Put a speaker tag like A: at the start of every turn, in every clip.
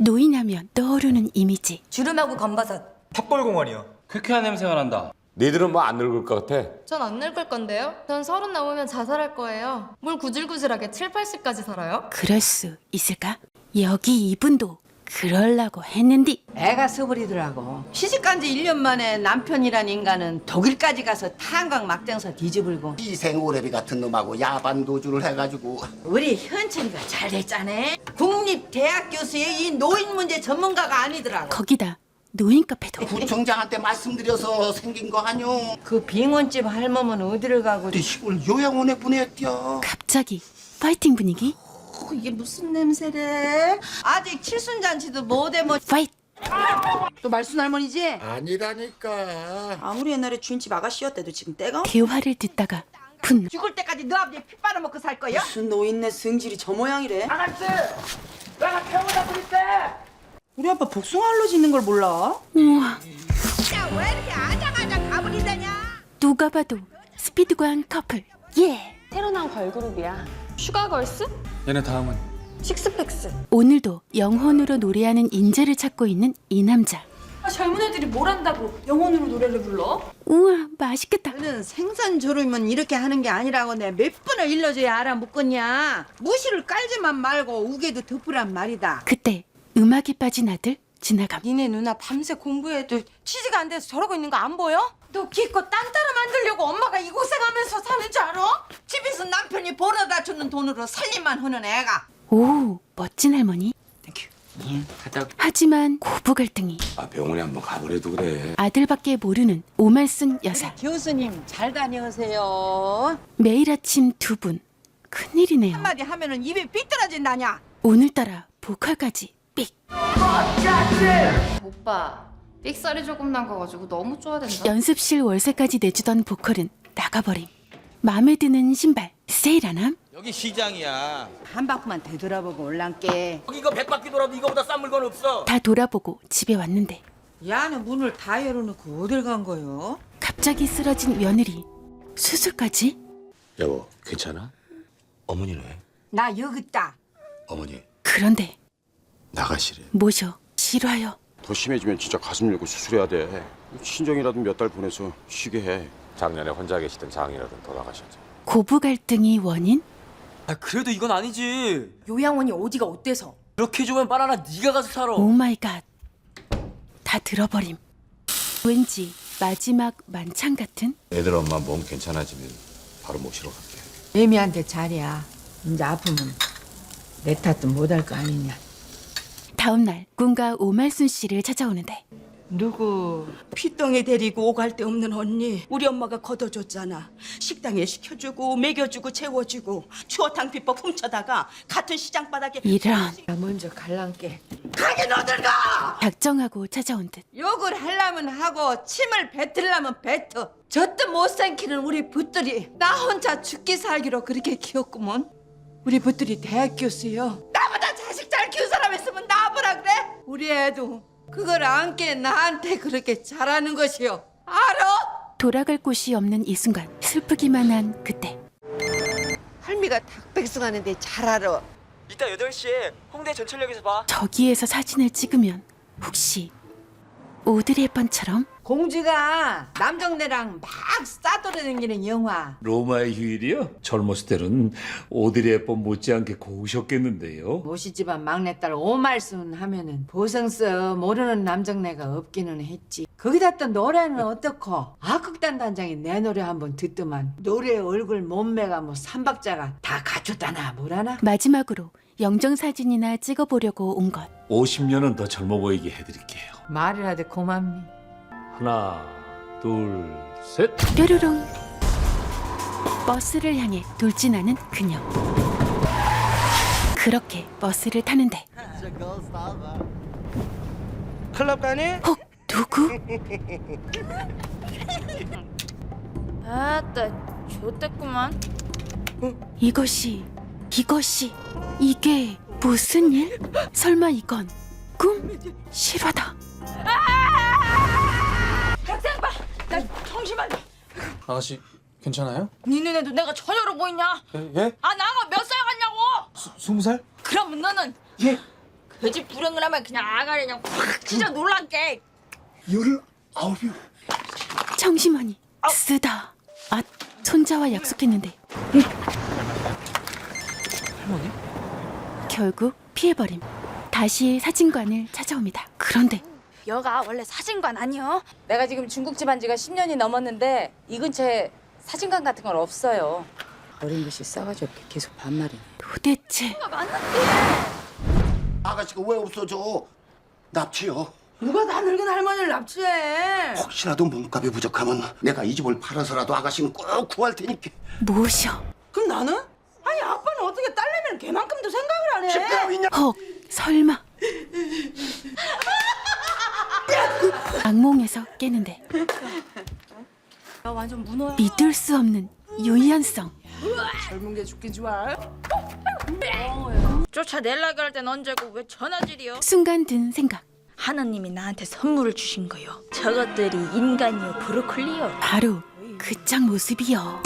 A: 노인하면 떠오르는 이미지.
B: 주름하고 검버섯.
C: 탑골공원이요.
D: 쾌쾌한 냄새가 난다.
E: 니들은 뭐 안 늙을 것 같아?
F: 전 안 늙을 건데요? 전 30 넘으면 자살할 거예요. 뭘 구질구질하게 7, 80까지 살아요?
A: 그럴 수 있을까? 여기 이분도 그럴라고 했는디.
G: 애가 써버리더라고. 시집간 지 1년 만에 남편이란 인간은 독일까지 가서 탄광 막장사 뒤집을고.
H: 희생오래비 같은 놈하고 야반 도주를 해가지고
G: 우리 현철이가 잘 됐잖아. 국립대학 교수의 이 노인 문제 전문가가 아니더라고.
A: 거기다 노인 카페도.
H: 구청장한테 말씀드려서 생긴 거 아뇨.
G: 그 빙원집 할멈은 어디를 가고.
H: 우리 시골 요양원에 보냈디요.
A: 갑자기 파이팅 분위기.
G: 이게 무슨 냄새래? 아직 칠순잔치도 못해 뭐.
A: 파이트.
G: 또 말순 할머니지?
H: 아니라니까.
I: 아무리 옛날에 주인집 아가씨였대도 지금 때가
A: 대화를 듣다가 분노.
G: 죽을 때까지 너 아버지 피 빨아먹고 살 거야?
I: 무슨 노인네 성질이 저 모양이래.
G: 아가씨! 내가 병원에 부를게!
I: 우리 아빠 복숭아 알러지 있는 걸 몰라?
A: 우와,
G: 왜 이렇게 아장아장 가버리다냐?
A: 누가 봐도 스피드광 커플. 예.
F: 새로 나온 걸그룹이야. 슈가걸스?
D: 얘네 다음은
F: 식스팩스.
A: 오늘도 영혼으로 노래하는 인재를 찾고 있는 이 남자.
F: 젊은 애들이 뭘 한다고 영혼으로 노래를 불러?
A: 우와, 맛있겠다.
G: 너는 생선 조르면 이렇게 하는 게 아니라고 내가 몇 번을 일러줘야 알아먹겠냐? 무시를 깔지만 말고 우게도 덮으란 말이다.
A: 그때 음악에 빠진 아들 지나감.
B: 니네 누나 밤새 공부해도 취지가 안 돼서 저러고 있는 거 안 보여? 너 기껏 딴 따라 만들려고 엄마가 이 고생하면서 사는 줄 알아?
G: 집에서 남편이 벌어다 주는 돈으로 살림만 하는 애가.
A: 오, 멋진 할머니. 하지만 고부 갈등이.
E: 아, 병원에 한번 가보래도 그래.
A: 아들밖에 모르는 오말순 여사.
G: 교수님 잘 다녀오세요.
A: 매일 아침 두 분. 큰일이네요.
G: 한마디 하면은 입에 삐뚤어진다냐?
A: 오늘따라 보컬까지 삑.
F: 오빠, 삑살이 조금 난 거 가지고 너무 좋아된다.
A: 연습실 월세까지 내주던 보컬은 나가버림. 마음에 드는 신발 세일하남?
C: 여기 시장이야.
G: 한 바퀴만 되돌아보고 올란께.
C: 여기 이거 100바퀴 돌아도 이거보다 싼 물건 없어.
A: 다 돌아보고 집에 왔는데
G: 야는 문을 다 열어놓고 어딜 간 거요?
A: 갑자기 쓰러진 며느리. 수술까지?
E: 여보, 괜찮아? 어머니는 왜?
G: 나 여기 있다.
E: 어머니,
A: 그런데
E: 나가시래.
A: 모셔 실화요.
J: 더 심해지면 진짜 가슴 열고 수술해야 돼. 친정이라도 몇 달 보내서 쉬게 해.
E: 작년에 혼자 계시던 장인어른 돌아가셨죠.
A: 고부 갈등이 원인?
C: 아 그래도 이건 아니지.
B: 요양원이 어디가 어때서?
C: 이렇게 좋으면 바나나 네가 가서 살아.
A: 오 마이 갓. 다 들어버림. 왠지 마지막 만찬 같은?
E: 애들 엄마 몸 괜찮아지면 바로 모시러 갈게.
G: 애미한테 잘이야. 이제 아프면 내 탓도 못할 거 아니냐.
A: 다음 날 꿈과 오말순 씨를 찾아오는데
I: 누구? 피덩이 데리고 오갈 데 없는 언니. 우리 엄마가 걷어줬잖아. 식당에 시켜주고 먹여주고 재워주고 추어탕 비법 훔쳐다가 같은 시장 바닥에.
A: 이런.
G: 나 먼저 갈란께.
I: 가긴 어딜 가!
A: 작정하고 찾아온 듯.
G: 욕을 하려면 하고 침을 뱉으려면 뱉어. 젖도 못 삼키는 우리 붓들이 나 혼자 죽기 살기로 그렇게 키웠구먼. 우리 붓들이 대학 교수요. 나보다 자식 잘 키운 사람 있으면 나보라 그래? 우리 애도 그걸 안게 나한테 그렇게 잘하는 것이요. 알아?
A: 돌아갈 곳이 없는 이 순간 슬프기만 한 그때
G: 할미가 닭백숙하는데 잘 알아.
C: 이따 8시에 홍대 전철역에서 봐.
A: 저기에서 사진을 찍으면 혹시 오드리 헵번처럼?
G: 공주가 남정네랑 막 싸돌아다니는 영화.
K: 로마의 휴일이요? 젊었을 때는 오드리 헵번 못지않게 고우셨겠는데요.
G: 모시집안 막내딸 오말순 하면은 보성서 모르는 남정네가 없기는 했지. 거기다 또 노래는 어떻고? 악극단 단장이 내 노래 한번 듣더만 노래 얼굴 몸매가 뭐 삼박자가 다 갖췄다나 뭐라나?
A: 마지막으로 영정사진이나 찍어보려고 온 것.
K: 50년은 더 젊어 보이게 해드릴게요.
G: 말이라도 고맙니?
K: 하나, 둘, 셋.
A: 뾰로롱. 버스를 향해 돌진하는 그녀. 그렇게 버스를 타는데
C: 클럽 가니?
A: 혹 누구?
F: 아따, 좋댔구만.
A: 이게 무슨 일? 설마 이건 꿈? 실화다.
B: 학생봐! 나 정신만.
D: 아가씨 괜찮아요?
B: 니 눈에도 내가 처녀로 보이냐?
D: 예?
B: 아 나가 몇 살 같냐고?
D: 20살?
B: 그러면 너는
D: 예?
B: 돼지 불행을 하면 그냥 아가리 그냥 확 찢어 놀랄게.
H: 19이요.
A: 청심환이 쓰다. 아, 손자와 약속했는데.
C: 할머니?
A: 결국 피해버림. 다시 사진관을 찾아옵니다. 그런데
B: 여가 원래 사진관 아니요?
G: 내가 지금 중국집 한 지가 10년이 넘었는데 이 근처에 사진관 같은 건 없어요. 어린 것이 싸가지 없게 계속 반말이네.
A: 도대체
H: 아가씨가 왜 없어져? 납치요.
I: 누가 다 늙은 할머니를 납치해?
H: 혹시라도 몸값이 부족하면 내가 이 집을 팔아서라도 아가씨는 꼭 구할 테니까.
A: 무엇이여?
I: 그럼 나는? 아니 아빠는 어떻게 딸내미는 걔만큼도 생각을 안 해?
H: 집대로 있냐?
A: 헉, 설마. 악몽에서 깨는데
B: 야 완전 문어야.
A: 믿을 수 없는 유연성.
I: 젊은 게 죽긴 좋아.
B: 쫓아내려고 할 땐 언제고 왜 전화질이요?
A: 순간 든 생각.
B: 하나님이 나한테 선물을 주신 거요. 저것들이 인간이요 브로콜리요.
A: 바로 그 짝 모습이요.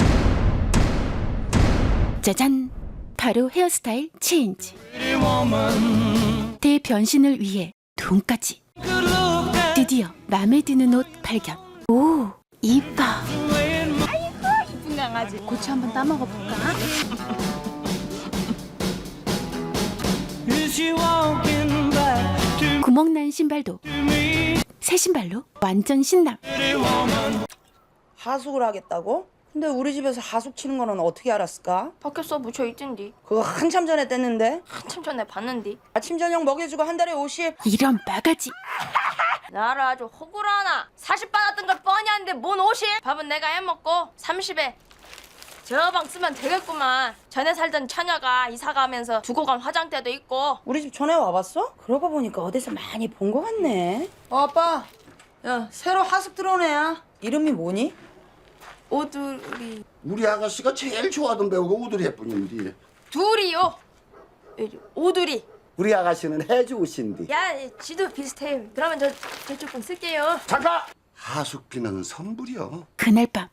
A: 짜잔. 바로 헤어스타일 체인지. 대변신을 위해 돈까지. 드디어 마음에 드는 옷 발견. 오, 이뻐.
B: 이쁜 강아지.
A: 고추 한번 따먹어 볼까? 구멍난 신발도 새 신발로 완전 신남.
I: 하숙을 하겠다고? 근데 우리 집에서 하숙 치는 거는 어떻게 알았을까?
F: 밖에서 묻혀 있던디.
I: 그거 한참 전에 뗐는데?
F: 한참 전에 봤는디.
I: 아침 저녁 먹여주고 한 달에 50.
A: 이런 바가지.
F: 나를 아주 호구로 하나. 40 받았던 걸 뻔히 하는데 뭔 50? 밥은 내가 해먹고 30에 저 방 쓰면 되겠구만. 전에 살던 처녀가 이사 가면서 두고 간 화장대도 있고.
I: 우리 집 전에 와봤어? 그러고 보니까 어디서 많이 본 거 같네. 아빠. 야, 새로 하숙 들어온 애야. 이름이 뭐니?
F: 오두리.
H: 우리 아가씨가 제일 좋아하던 배우가 오드리 헵번인데.
F: 둘이요. 오두리.
H: 우리 아가씨는 해주신디.
F: 야, 지도 비슷해요. 그러면 저쪽 분 쓸게요.
H: 잠깐! 하숙비는 선불이요.
A: 그날 밤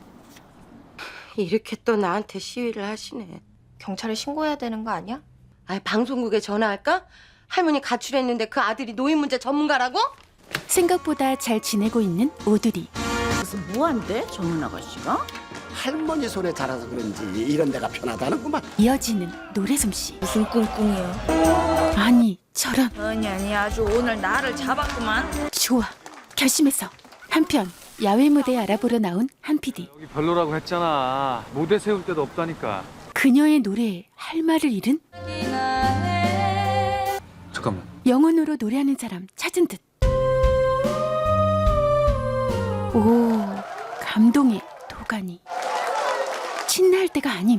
B: 이렇게 또 나한테 시위를 하시네.
F: 경찰에 신고해야 되는 거 아니야?
B: 아니 방송국에 전화할까? 할머니 가출했는데 그 아들이 노인 문제 전문가라고?
A: 생각보다 잘 지내고 있는 오두리.
I: 무슨 뭐한대? 전문 아가씨가?
H: 할머니 손에 자라서 그런지 이런 데가 편하다는구만.
A: 이어지는 노래 솜씨.
B: 무슨 꿍꿍이요?
A: 아니 저런.
B: 아니 아주 오늘 나를 잡았구만.
A: 좋아. 결심했어. 한편 야외 무대 알아보러 나온 한 PD.
D: 여기 별로라고 했잖아. 무대 세울 데도 없다니까.
A: 그녀의 노래에 할 말을 잃은
D: 잠깐만.
A: 영혼으로 노래하는 사람 찾은 듯. 오, 감동의 도가니. 신나할 때가 아님.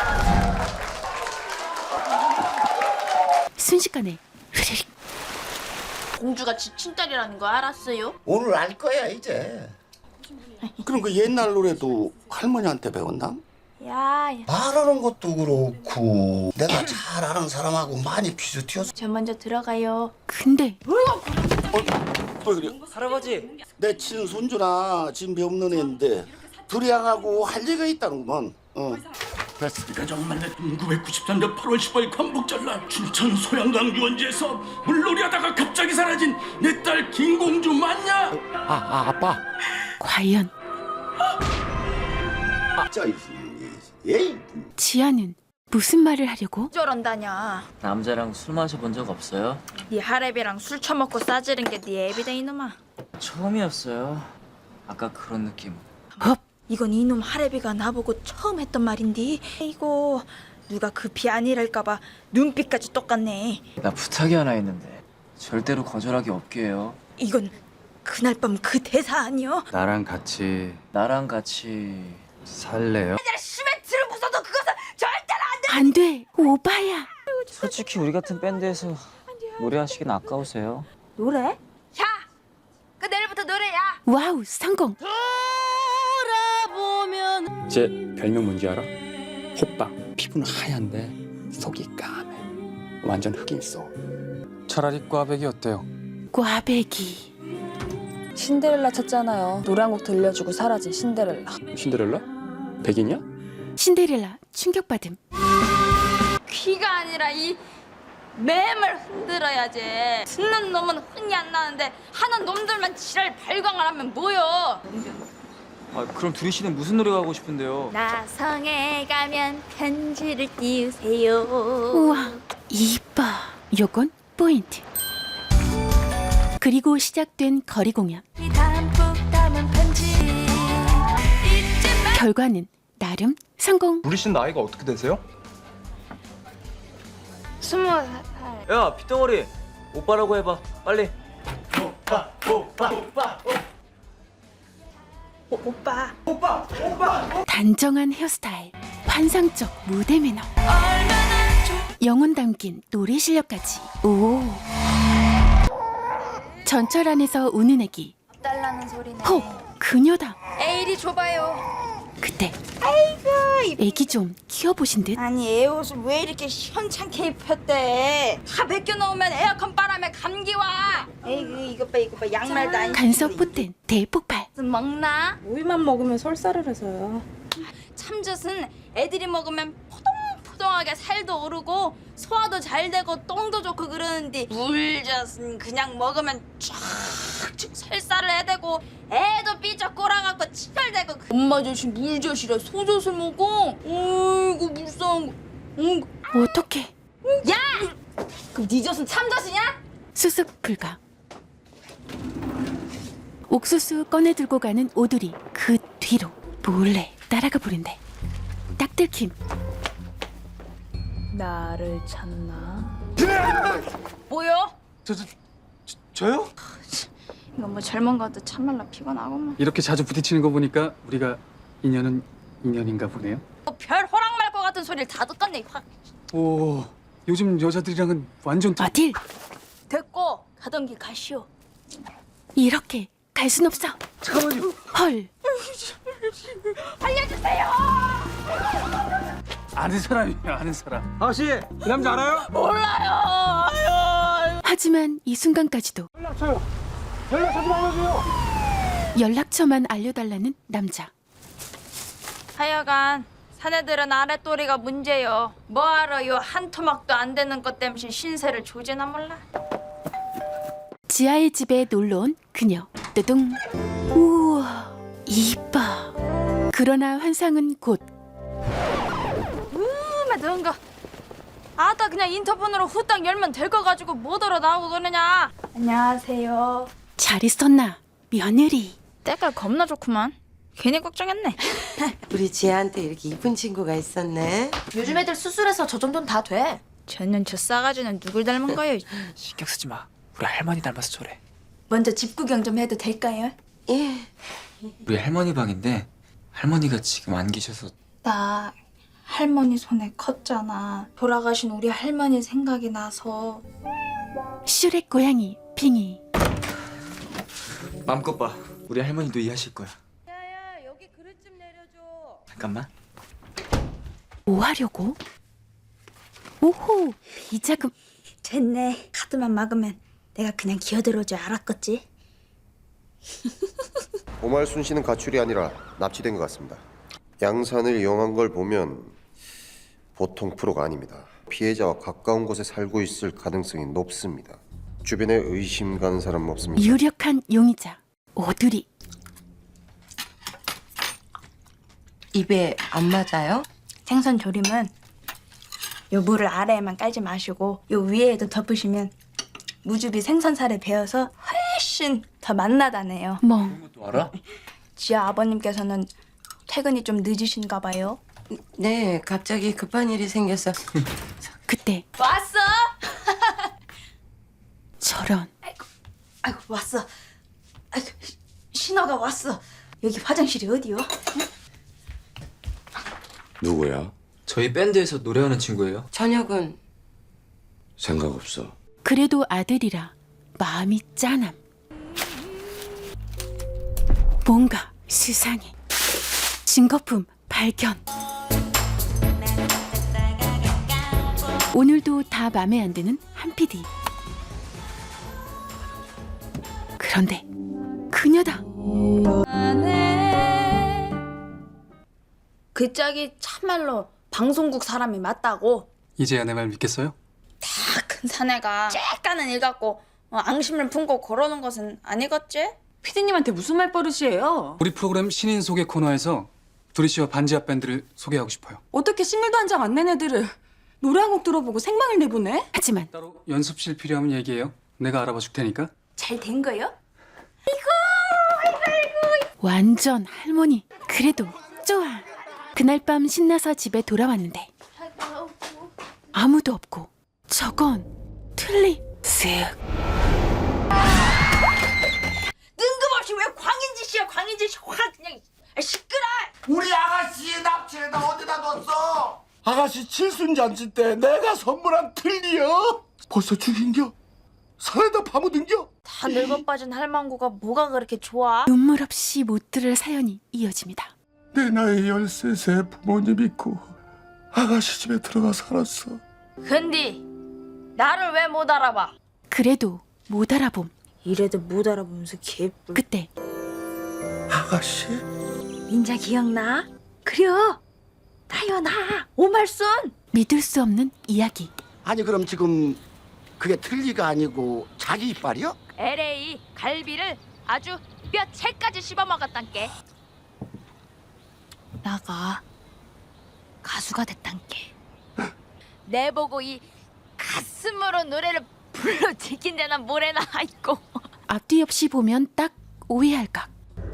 A: 순식간에 흐르륵.
F: 공주가 지 친딸이라는 거 알았어요?
H: 오늘 알 거야 이제. 그럼 그 옛날 노래도 할머니한테 배웠나?
F: 야,
H: 말하는 것도 그렇고 내가 잘 아는 사람하고 많이 비슷해서.
F: 저 먼저 들어가요.
A: 근데
H: 왜 그래?
C: 할아버지.
H: 내 친손주나 진배 없는 애인데 두리양하고 할 얘기가 있다는구먼.
K: 가정 만난 1993년 8월 15일 광복절날 춘천 소양강 유원지에서 물놀이하다가 갑자기 사라진 내 딸 김공주 맞냐?
H: 아빠.
A: 과연
H: 에이.
A: 지아는 무슨 말을 하려고?
B: 저런다냐.
C: 남자랑 술 마셔본 적 없어요?
B: 네 하랩이랑 술 처먹고 싸지른 게 네 애비다 이놈아.
C: 처음이었어요. 아까 그런 느낌.
A: 업.
B: 이건 이놈 하랩이가 나보고 처음 했던 말인데 이거 누가 급히 아니랄까봐 눈빛까지 똑같네.
C: 나 부탁이 하나 있는데 절대로 거절하기 없게 해요.
B: 이건 그날 밤 그 대사 아니여?
D: 나랑 같이
K: 살래요?
B: 시멘트를 부숴도 그것은 절대로 안 돼.
A: 안 돼. 오바야.
C: 솔직히 우리 같은 밴드에서 노래하시긴 아까우세요.
B: 노래? 야! 그 내일부터 노래야.
A: 와우, 성공.
J: 제 별명 뭔지 알아? 호빵. 피부는 하얀데 속이 까매. 완전 흑인 소.
D: 차라리 꽈배기 어때요?
A: 꽈배기.
F: 신데렐라 쳤잖아요. 노래 한 곡 들려주고 사라진 신데렐라.
J: 신데렐라? 백인이야?
A: 신데렐라 충격받음.
F: 귀가 아니라 이 매물 흔들어야지. 듣는 놈은 흥이 안 나는데 하는 놈들만 지랄 발광을 하면 뭐여.
C: 아, 그럼 두리 씨는 무슨 노래가 하고 싶은데요?
F: 나성에 가면 편지를 띄우세요.
A: 우와, 이뻐. 요건 포인트. 그리고 시작된 거리 공연.
F: 담뿍 담은 편지
A: 결과는 나름 성공.
D: 두리 씨는 나이가 어떻게 되세요?
F: 20살.
C: 야, 핏덩어리. 오빠라고 해봐. 빨리.
A: 단정한 헤어스타일, 환상적 무대 매너, 영혼 담긴 노래 실력까지. 오. 전철 안에서 우는 애기.
F: 달라는 소리네.
A: 혹 그녀다.
F: 에일이 줘봐요.
A: 그때 애기 좀 키워보신 듯.
F: 아니 애 옷을 왜 이렇게 시원찮게 입혔대? 다 벗겨 놓으면 에어컨 바람에 감기 와. 에이그 이것 봐 양말도 안
A: 간섭 보탠 대폭발.
F: 먹나?
B: 우유만 먹으면 설사를 해서요.
F: 참젓은 애들이 먹으면 포동포동하게 살도 오르고 소화도 잘 되고 똥도 좋고 그러는데 물젓은 그냥 먹으면 쫙쭉 살살을 해대고 애도 삐쩍 꼬라갖고 치열대고 엄마 젓이 물젓이라 소젓을 먹어. 어이구 불쌍한 거.
A: 어떡해.
F: 야! 그럼 네 젓은 참젓이냐?
A: 수습 불가. 옥수수 꺼내 들고 가는 오두리. 그 뒤로 몰래 따라가 보는데 딱 들킴.
F: 나를 찾나? 뭐요?
D: 저요?
F: 이거 뭐 젊은 것도 참말라 피곤하구만.
D: 이렇게 자주 부딪히는 거 보니까 우리가 인연은 인연인가 보네요.
F: 별 호랑 말 것 같은 소리를 다 듣겠네 확.
D: 오, 요즘 여자들이랑은 완전
A: 어딜
F: 됐고 가던 길 가시오.
A: 이렇게 갈 순 없어.
D: 잠깐만요.
A: 헐.
F: 알려주세요.
D: 아는 사람이에요, 아는 사람.
C: 아가씨, 그 남자 알아요?
F: 몰라요. 아유.
A: 하지만 이 순간까지도
K: 연락처 좀 알려줘요.
A: 연락처만 알려달라는 남자.
F: 하여간 사내들은 아랫도리가 문제요. 뭐하러 요 한 토막도 안 되는 것 때문에 신세를 조지나 몰라.
A: 지하의 집에 놀러온 그녀. 뜨둥. 우와, 이뻐. 그러나 환상은 곧
F: 더운 거. 아따 그냥 인터폰으로 후딱 열면 될 거 가지고 뭐더러 나오고 그러냐. 안녕하세요.
A: 잘 있었나 며느리.
F: 때깔 겁나 좋구만. 괜히 걱정했네.
B: 우리 지혜한테 이렇게 이쁜 친구가 있었네.
F: 요즘 애들 수술해서 저 정도는 다 돼. 쟤는 저 싸가지는 누굴 닮은 거예요?
C: 신경 쓰지 마. 우리 할머니 닮아서 저래.
F: 먼저 집 구경 좀 해도 될까요?
B: 예.
C: 우리 할머니 방인데 할머니가 지금 안 계셔서.
F: 나 할머니 손에 컸잖아. 돌아가신 우리 할머니 생각이 나서.
A: 슈렉 고양이 빙이.
C: 마음껏 봐. 우리 할머니도 이해하실 거야.
B: 야야 여기 그릇 좀 내려줘.
C: 잠깐만.
A: 뭐 하려고? 오호, 비자금.
F: 됐네. 카드만 막으면 내가 그냥 기어들어올 줄 알았겠지.
E: 오말순 씨는 가출이 아니라 납치된 것 같습니다. 양산을 이용한 걸 보면 보통 프로가 아닙니다. 피해자와 가까운 곳에 살고 있을 가능성이 높습니다. 주변에 의심 가는 사람 없습니까?
A: 유력한 용의자 오두리.
B: 입에 안 맞아요?
F: 생선 조림은 요 물을 아래에만 깔지 마시고 요 위에도 덮으시면 무즙이 생선살에 배어서 훨씬 더 맛나다네요.
A: 멍.
C: 또 알아?
F: 지아 아버님께서는 퇴근이 좀 늦으신가 봐요.
B: 네 갑자기 급한 일이 생겨서.
A: 그때
F: 왔어?
A: 저런.
F: 아이고 왔어. 아이고 신호가 왔어. 여기 화장실이 어디요?
E: 누구야?
C: 저희 밴드에서 노래하는 친구예요.
B: 저녁은
E: 생각 없어.
A: 그래도 아들이라 마음이 짠함. 뭔가 수상해. 증거품 발견. 오늘도 다 맘에 안 드는 한 PD. 그런데 그녀다.
F: 그 짝이 참말로 방송국 사람이 맞다고.
D: 이제야 내 말 믿겠어요?
F: 다 큰 사내가 쬐까는 일 갖고 앙심을 품고 걸어오는 것은 아니겠지?
A: 피디님한테 무슨 말버릇이에요?
D: 우리 프로그램 신인 소개 코너에서 두리 씨와 반지하 밴드를 소개하고 싶어요.
A: 어떻게 싱글도 한 장 안 낸 애들을 노래 한 곡 들어보고 생방을 내보내? 하지만
D: 따로 연습실 필요하면 얘기해요. 내가 알아봐 줄 테니까.
F: 잘 된 거요?
A: 완전 할머니. 그래도 좋아. 그날 밤 신나서 집에 돌아왔는데 아무도 없고 저건 틀리 쓱.
F: 뜬금없이 왜 광인지 씨야 광인지 씨 확 그냥 시끄러.
H: 우리 아가씨 납치해다 어디다 뒀어? 아가씨 칠순잔치 때 내가 선물한 틀니요? 벌써 죽인겨? 살에다 파묻은겨?
F: 다 늙어 빠진 할망구가 뭐가 그렇게 좋아?
A: 눈물 없이 못 들을 사연이 이어집니다.
H: 내 나이 13세 부모님 있고 아가씨 집에 들어가 살았어.
F: 근데 나를 왜 못 알아봐?
A: 그래도 못 알아봄.
F: 이래도 못 알아보면서 개뿔.
A: 그때
H: 아가씨?
F: 민자 기억나? 그려 나요 나 오말순.
A: 믿을 수 없는 이야기.
H: 아니 그럼 지금 그게 틀니가 아니고 자기 이빨이요?
F: LA 갈비를 아주 뼈채까지 씹어먹었단께. 나가 가수가 됐단께. 내보고 이 가슴으로 노래를 불러 지킨 데나 뭐래나 있고.
A: 앞뒤 없이 보면 딱 오해할 각.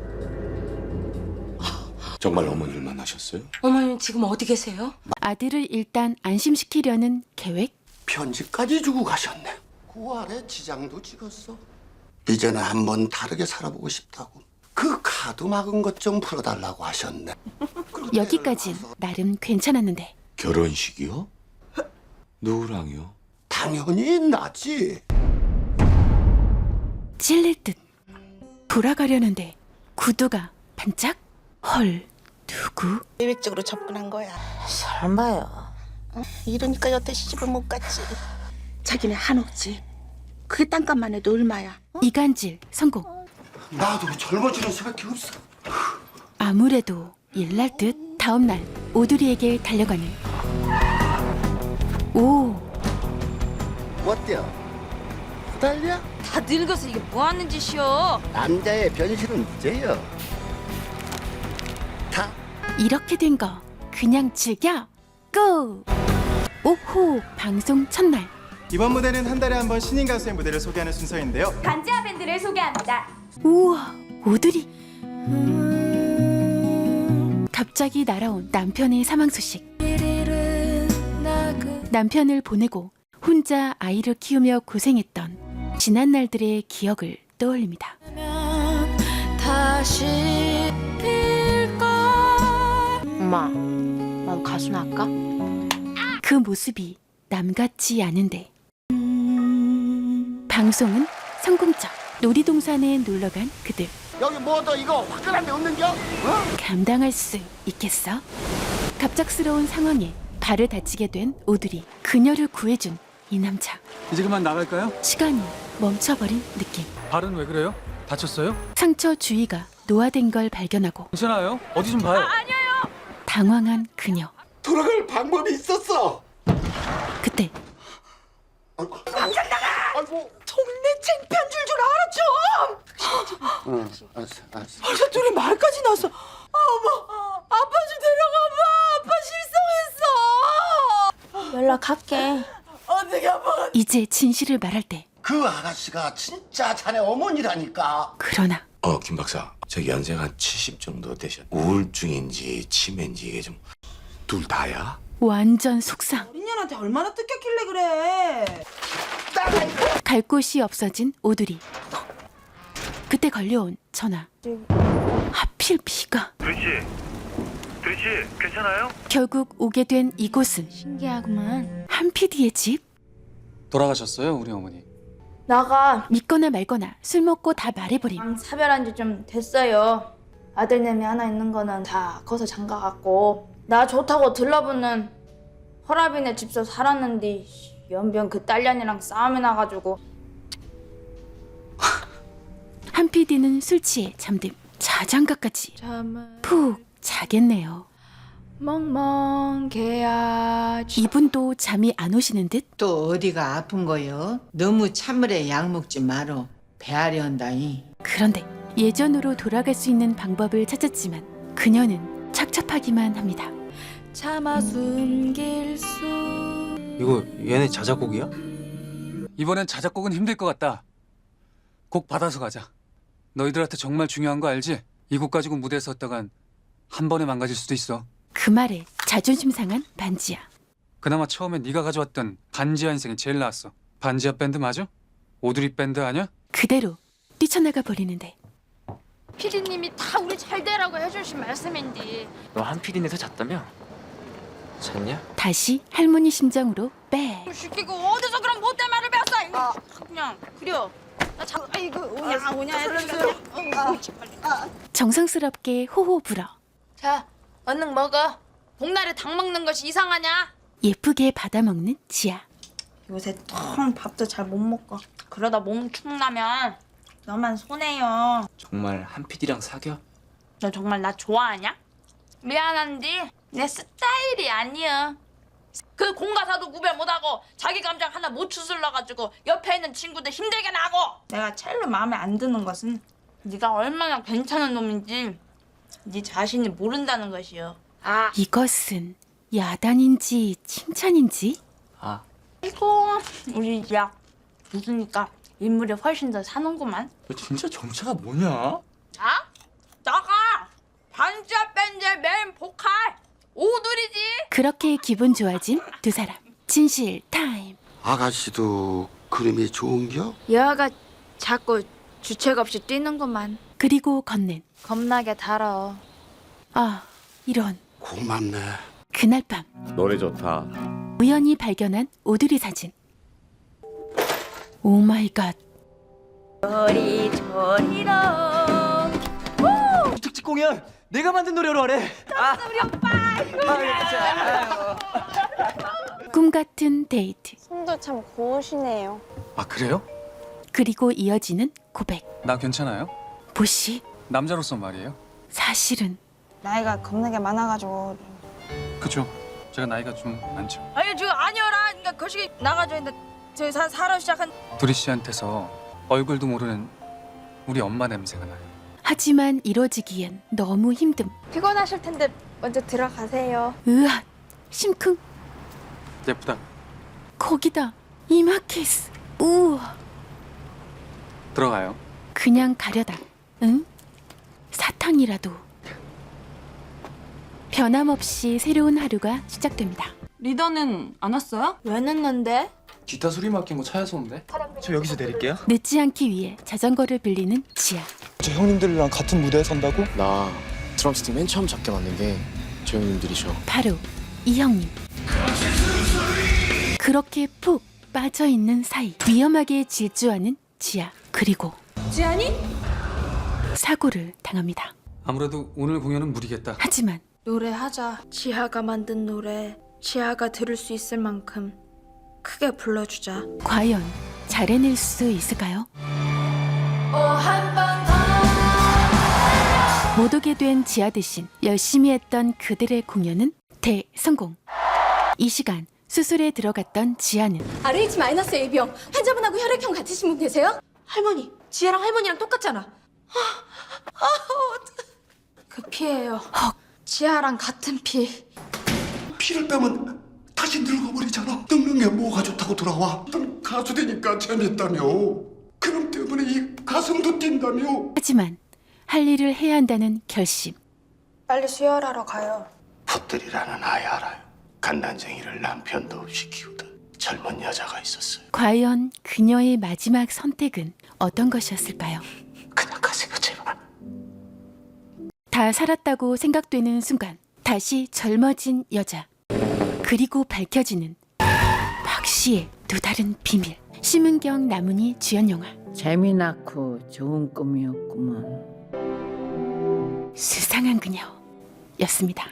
K: 정말 어머니를 만나셨어요?
B: 어머님 지금 어디 계세요?
A: 아들을 일단 안심시키려는 계획?
H: 편지까지 주고 가셨네. 9월에 지장도 찍었어. 이제는 한번 다르게 살아보고 싶다고. 그 카드 막은 것 좀 풀어달라고 하셨네.
A: 여기까진 나름 괜찮았는데
K: 결혼식이요? 누구랑요?
H: 당연히 나지.
A: 찔릴 듯. 돌아가려는데 구두가 반짝? 헐, 누구?
G: 계획적으로 접근한 거야. 설마요. 이러니까 여태 시집을 못 갔지. 자기네 한옥집. 그게 땅값만 해도 얼마야?
A: 이간질 성공.
H: 나도 젊어지는 수밖에 없어.
A: 아무래도 일날 듯 다음 날 오두리에게 달려가는. 오,
H: 어때요? 후달려?
F: 다 늙어서 이게 뭐 하는 짓이여?
H: 남자의 변신은 죄요. 다
A: 이렇게 된 거 그냥 즐겨. 고! 오호, 방송 첫날.
L: 이번 무대는 한 달에 한 번 신인 가수의 무대를 소개하는 순서인데요.
F: 반지하 밴드를 소개합니다.
A: 우와, 오두리. 갑자기 날아온 남편의 사망 소식. 남편을 보내고 혼자 아이를 키우며 고생했던 지난 날들의 기억을 떠올립니다.
B: 엄마 난 가수나 할까?
A: 그 모습이 남 같지 않은데. 방송은 성공적. 놀이동산에 놀러간 그들.
H: 여기 뭐도 이거 화끈한 데 없는겨?
A: 감당할 수 있겠어? 갑작스러운 상황에 발을 다치게 된 오두리. 그녀를 구해준 이 남자.
D: 이제 그만 나갈까요?
A: 시간이 멈춰버린 느낌.
D: 발은 왜 그래요? 다쳤어요?
A: 상처 주위가 노화된 걸 발견하고
D: 괜찮아요? 어디 좀 봐요.
A: 당황한 그녀.
H: 돌아갈 방법이 있었어.
A: 그때
H: 아이고. 당장 나가. 아이고.
G: 동네 창피한 줄 알아 좀.
H: 응, 알았어.
G: 벌써 둘이 말까지 나서. 어머, 아빠 좀 데려가봐. 아빠 실성했어.
F: 연락할게.
G: 어떻게 아빠가
A: 이제 진실을 말할 때.
H: 그 아가씨가 진짜 자네 어머니라니까.
A: 그러나
K: 김 박사, 저 연세가 한 70 정도 되셨. 우울증인지 치매인지 이게 좀 둘 다야?
A: 완전 속상.
G: 어린년한테 얼마나 뜯겼길래 그래.
A: 갈 곳이 없어진 오두리. 그때 걸려온 전화. 하필 비가.
L: 두리 씨, 괜찮아요?
A: 결국 오게 된 이곳은
F: 신기하구만.
A: 한 PD의 집?
D: 돌아가셨어요, 우리 어머니.
F: 나가
A: 믿거나 말거나 술 먹고 다 말해버림.
F: 사별한 지 좀 됐어요. 아들내미 하나 있는 거는 다 커서 장가갔고 나 좋다고 들러붙는 허라빈의 집서 살았는데 연변 그 딸년이랑 싸움이 나가지고
A: 한 PD는 술 취해 잠듦. 자장가까지
F: 잠을
A: 푹 자겠네요.
F: 멍멍 개야.
A: 이분도 잠이 안 오시는 듯.
G: 또 어디가 아픈 거요? 너무 찬물에 약 먹지 마로. 배앓이 온다이.
A: 그런데 예전으로 돌아갈 수 있는 방법을 찾았지만 그녀는 착잡하기만 합니다.
F: 참아 숨길 수.
C: 이거 얘네 자작곡이야?
D: 이번엔 자작곡은 힘들 것 같다. 곡 받아서 가자. 너희들한테 정말 중요한 거 알지? 이 곡 가지고 무대에 섰다간 한 번에 망가질 수도 있어.
A: 그 말에 자존심 상한 반지하.
D: 그나마 처음에 네가 가져왔던 반지하 인생이 제일 나았어. 반지하 밴드 맞아? 오드리 밴드 아니야?
A: 그대로 뛰쳐나가 버리는데
F: 피디님이 다 우리 잘 되라고 해주신 말씀인데.
C: 너 한필인에서 잤다며? 잤냐?
A: 다시 할머니 심정으로 빽.
F: 시키고 어디서 그런 못된 말을 배웠어? 이거 그냥 그려. 나 자, 아이고 오냐 애들.
A: 정성스럽게 호호 불어
F: 자, 얼른 먹어. 복날에 닭 먹는 것이 이상하냐?
A: 예쁘게 받아먹는 지아.
F: 요새 통 밥도 잘 못 먹고 그러다 몸 축나면 너만 손해요.
C: 정말 한필이랑 사겨?
F: 너 정말 나 좋아하냐? 미안한데 내 스타일이 아니야. 그 공가사도 구별 못하고 자기 감정 하나 못 추슬러가지고 옆에 있는 친구들 힘들게 나고. 내가 첼로 마음에 안 드는 것은 네가 얼마나 괜찮은 놈인지 네 자신이 모른다는 것이요. 아,
A: 이것은 야단인지 칭찬인지?
C: 아,
F: 이거 우리 야 웃으니까 인물이 훨씬 더 사는구만.
J: 너 진짜 정체가 뭐냐?
F: 자, 나가 반지하 밴드의 메인 보컬 오두리지.
A: 그렇게 기분 좋아진 두 사람. 진실 타임.
H: 아가씨도 그림이 좋은겨?
F: 여아가 자꾸 주책 없이 뛰는구만.
A: 그리고 건넨.
F: 겁나게 달아.
A: 아, 이런.
H: 고맙네.
A: 그날 밤
H: 노래 좋다.
A: 우연히 발견한 오드리 사진. 오 마이 갓.
F: 조리로
C: 특집 공연 내가 만든 노래로 하래.
F: 우리 오빠.
A: 꿈 같은 데이트.
F: 손도 참 고우시네요.
D: 아 그래요?
A: 그리고 이어지는 고백.
D: 나 괜찮아요?
A: 보시.
D: 남자로서 말이에요.
A: 사실은
F: 나이가 겁나게 많아가지고.
D: 그죠? 제가 나이가 좀 많죠.
F: 아니 지금 아니어라. 그러니까 거시기 나가져 있는데 저기 살아 시작한.
D: 두리 씨한테서 얼굴도 모르는 우리 엄마 냄새가 나요.
A: 하지만 이뤄지기엔 너무 힘듦.
F: 피곤하실 텐데 먼저 들어가세요.
A: 으앗. 심쿵.
D: 예쁘다.
A: 거기다 이마키스. 우와.
D: 들어가요.
A: 그냥 가려다. 응? 사탕이라도. 변함없이 새로운 하루가 시작됩니다.
B: 리더는 안 왔어요?
F: 왜 늦는데?
L: 기타 소리 맡긴 거 차에서 온대.
C: 저 여기서 내릴게요.
A: 늦지 않기 위해 자전거를 빌리는 지아.
L: 저 형님들이랑 같은 무대에 선다고?
C: 나 드럼 스틱 맨 처음 잡게 만든 게 저 형님들이셔.
A: 바로 이 형님. 그렇게 푹 빠져있는 사이 위험하게 질주하는 지아. 그리고
B: 지안이?
A: 사고를 당합니다.
D: 아무래도 오늘 공연은 무리겠다.
A: 하지만
F: 노래하자. 지하가 만든 노래 지하가 들을 수 있을 만큼 크게 불러주자.
A: 과연 잘 해낼 수 있을까요? 못 오게 된 지아 대신 열심히 했던 그들의 공연은 대성공. 이 시간 수술에 들어갔던 지아는
B: RH-AB형 환자분하고 혈액형 같으신 분 계세요? 할머니, 지혜랑 할머니랑 똑같잖아.
F: 그 피예요. 지하랑 같은 피.
H: 피를 빼면 다시 늙어버리잖아. 늙는 게 뭐가 좋다고 돌아와. 넌 가수 되니까 재밌다며. 그럼 때문에 이 가슴도 뛴다며.
A: 하지만 할 일을 해야 한다는 결심.
F: 빨리 수혈하러 가요.
H: 풋들이라는 아이 알아요. 갓난쟁이를 남편도 없이 키우던 젊은 여자가 있었어요.
A: 과연 그녀의 마지막 선택은 어떤 것이었을까요?
H: 그냥 가세요 제발.
A: 다 살았다고 생각되는 순간 다시 젊어진 여자. 그리고 밝혀지는 박 씨의 또 다른 비밀. 심은경 남은희 주연 영화
G: 재미나고 좋은 꿈이었구먼.
A: 수상한 그녀였습니다.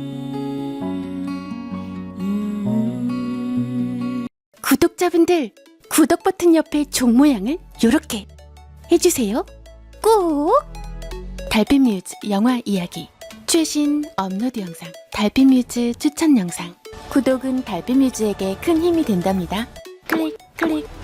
A: 구독자분들 구독 버튼 옆에 종 모양을 요렇게 해주세요. 꼭! 달빛뮤즈 영화 이야기 최신 업로드 영상 달빛뮤즈 추천 영상. 구독은 달빛뮤즈에게 큰 힘이 된답니다. 클릭 클릭.